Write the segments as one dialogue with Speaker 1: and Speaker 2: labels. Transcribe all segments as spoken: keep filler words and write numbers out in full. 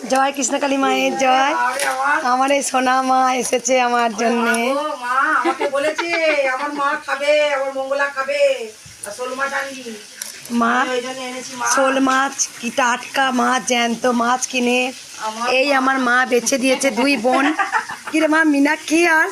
Speaker 1: জয় কৃষ্ণকালী মায়ের জয়। আমার এই সোনা মা এসেছে আমার জন্য।
Speaker 2: মা আমাকে বলেছে আমার মা খাবে, আমার মঙ্গলা খাবে শোল মাছ আনবি।
Speaker 1: মা শোল মাছ কি টাটকা মাছ, জ্যান্ত মাছ কিনে এই আমার মা বেছে দিয়েছে। দুই বোন কিরে মা, মীনাক্ষী আর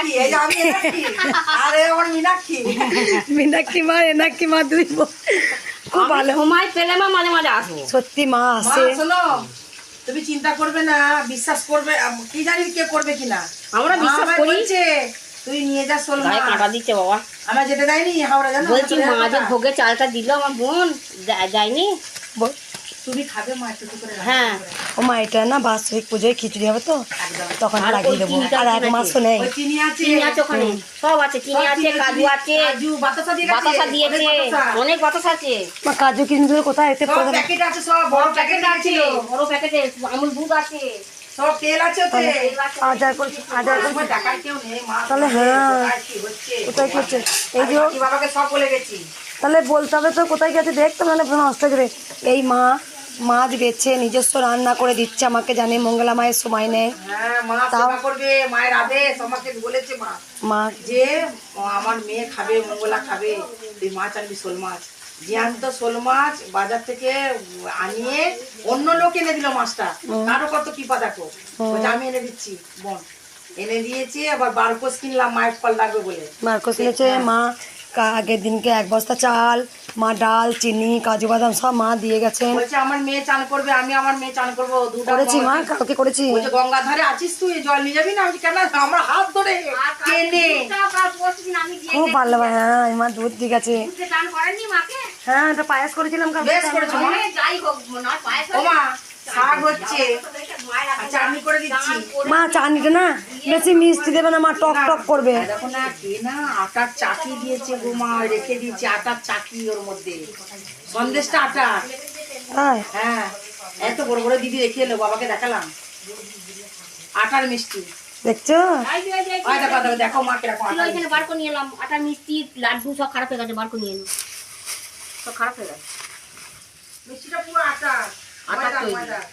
Speaker 1: মীনাক্ষী মা এনাক্ষী মা দুই বোন খুব ভালো।
Speaker 3: সময় পেলে মা মাঝে মাঝে আসবো।
Speaker 1: সত্যি মা আসে।
Speaker 2: তুমি চিন্তা করবে না, বিশ্বাস করবে, কি জানি কে করবে কিনা,
Speaker 3: আমরা বিশ্বাস করি।
Speaker 2: তুই নিয়ে যা শোল মাছ।
Speaker 3: কাটা দিচ্ছে বাবা,
Speaker 2: আমার যেতে দেয়নি হাওড়া জানো।
Speaker 3: বলছি মা যে ভোগে চালটা দিল আমার বোন যায়নি।
Speaker 2: তুমি খাবে মা একটু করে।
Speaker 3: হ্যাঁ
Speaker 1: ও মা এটা না বাৎসরিক পুজোয় খিচুড়ি হবে তো তখন লাগিয়ে দেবো। আর এক মাসও নেই।
Speaker 2: চিনি আছে,
Speaker 3: চিনি আছে ওখানে, সব আছে, চিনি আছে, কাজু আছে,
Speaker 2: বাতাসা
Speaker 3: বাতাসা দিয়েছে, অনেক বাতাসা আছে।
Speaker 1: মা কাজু কিনতে কোথায় এতে
Speaker 2: প্যাকেট আছে, সব বড় প্যাকেট আছে,
Speaker 3: বড় প্যাকেটে আমুল দুধ আছে,
Speaker 2: সব তেল আছে ওতে।
Speaker 1: আজার করছি আজার করছি
Speaker 2: টাকার কেউ নেই মা।
Speaker 1: তাহলে হ্যাঁ
Speaker 2: কি হচ্ছে
Speaker 1: কোথায় কি হচ্ছে এই যে
Speaker 2: কি বাবাকে সব বলে গেছি।
Speaker 1: তাহলে বলতে হবে তো কোথায় গেছে দেখতে, মানে নষ্ট হয়ে যাবে। এই মা মাছ বেছে নিজস্ব রান্না করে দিচ্ছে আমাকে, জানে মঙ্গলা মায়ের সময় নেই।
Speaker 2: হ্যাঁ মা সেবা করবে, মায়ের আদেশ আমাকে বলেছে মা
Speaker 1: মা
Speaker 2: যে আমার মেয়ে খাবে, মঙ্গলা খাবে, তুই মাছ আনবি শোল মাছ। জ্যান্ত শোল মাছ বাজার থেকে আনিয়ে অন্য লোক এনে দিল মাছটা। কারো কত কৃপা দেখো, আমি এনে দিচ্ছি বোন এনে দিয়েছি। আবার বারকোস কিনলাম মায়ের ফল লাগবে বলে।
Speaker 1: বারকোস কিনেছে মা। আগের দিনকে এক বস্তা চাল, মা ডাল, চিনি, কাজু বাদাম সব মা দিয়ে গেছেন।
Speaker 2: বলছে আমার মেয়ে চান করবে, আমি আমার মেয়ে চান করবো।
Speaker 1: করেছি মা, কালকে করেছি।
Speaker 2: বলছে গঙ্গা ধারে আছিস তুই, জল নিয়ে যাবি না? আমি কেন, আমরা হাত ধরে টেনে
Speaker 1: খুব ভালো। হ্যাঁ মা দুধ দিয়ে গেছে। হ্যাঁ এটা পায়েস করেছিলাম কালকে।
Speaker 2: বেশ করেছো মা। ও মা শাক হচ্ছে, চাটনি করে দিচ্ছি।
Speaker 1: মা চাটনিটা না বেশি মিষ্টি দেবে না মা, টক টক করবে।
Speaker 2: দেখো না কে না আটার চাকি দিয়েছে গো মা, রেখে দিয়েছে আটার চাকি, ওর মধ্যে সন্দেশটা আটা।
Speaker 1: হ্যাঁ
Speaker 2: হ্যাঁ এত বড় বড় দিদি রেখে এলো, বাবাকে দেখালাম আটার মিষ্টি।
Speaker 1: দেখছো
Speaker 2: দেখো মা কিরকম
Speaker 3: বার করে নিয়ে এলাম। আটার মিষ্টি লাড্ডু সব খারাপ হয়ে গেছে, বার করে নিয়ে এলাম, সব খারাপ হয়ে গেছে।
Speaker 2: মিষ্টিটা পুরো আটা,
Speaker 3: আটা তৈরি।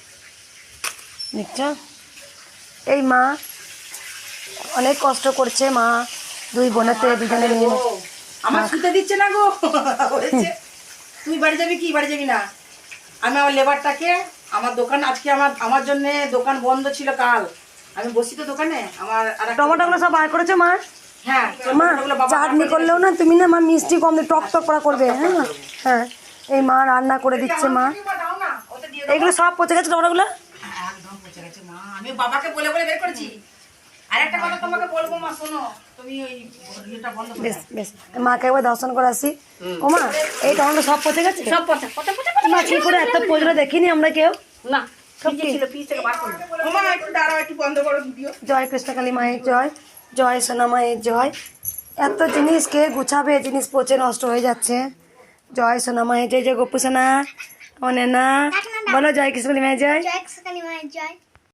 Speaker 1: দেখছো এই মা অনেক কষ্ট করছে মা, দুই বোনেতে দুজনে নিয়ে।
Speaker 2: আমার শুতে দিচ্ছে না গো। তুই বাড়ি যাবি কি? বাড়ি যাবি না? আমি আমার লেবারটাকে, আমার দোকান আজকে আমার আমার জন্য দোকান বন্ধ ছিল কাল, আমি বসি তো দোকানে। আমার
Speaker 1: টমেটোগুলো সব বার করেছে মা।
Speaker 2: হ্যাঁ
Speaker 1: মা চাটনি করলেও না তুমি না মা মিষ্টি কম দিয়ে টক টক করা করবে। হ্যাঁ হ্যাঁ এই মা রান্না করে দিচ্ছে মা। এগুলো সব পচে গেছে টমেটোগুলো।
Speaker 2: একদম পচে গেছে মা, আমি বাবাকে বলে বলে বের করেছি। আর একটা কথা তোমাকে বলবো মা, শোনো, তুমি ওই ইয়েটা বন্ধ করে
Speaker 1: বেশ বেশ মাকে একবার দর্শন করে আসি। ও মা এই টমেটো সব পচে গেছে।
Speaker 3: সব পচা পচা পচা
Speaker 1: মা কি করে এত পচলো দেখিনি আমরা কেউ।
Speaker 3: না ফ্রিজে ছিল, ফ্রিজ থেকে বার করে।
Speaker 2: ও মা একটু দাঁড়াও, একটু বন্ধ করো ভিডিও।
Speaker 1: জয় কৃষ্ণকালী মায়ের জয়, জয় সোনা মায়ের জয়। এত জিনিস কে গুছাবে, জিনিস পচে নষ্ট হয়ে যাচ্ছে। জয় সোনা মায়ের জয়। জয় গোপু সোনা, ও নেনা বলো জয় কৃষ্ণকালী মায়ের জয়।
Speaker 4: জয় কৃষ্ণকালী মায়ের জয়।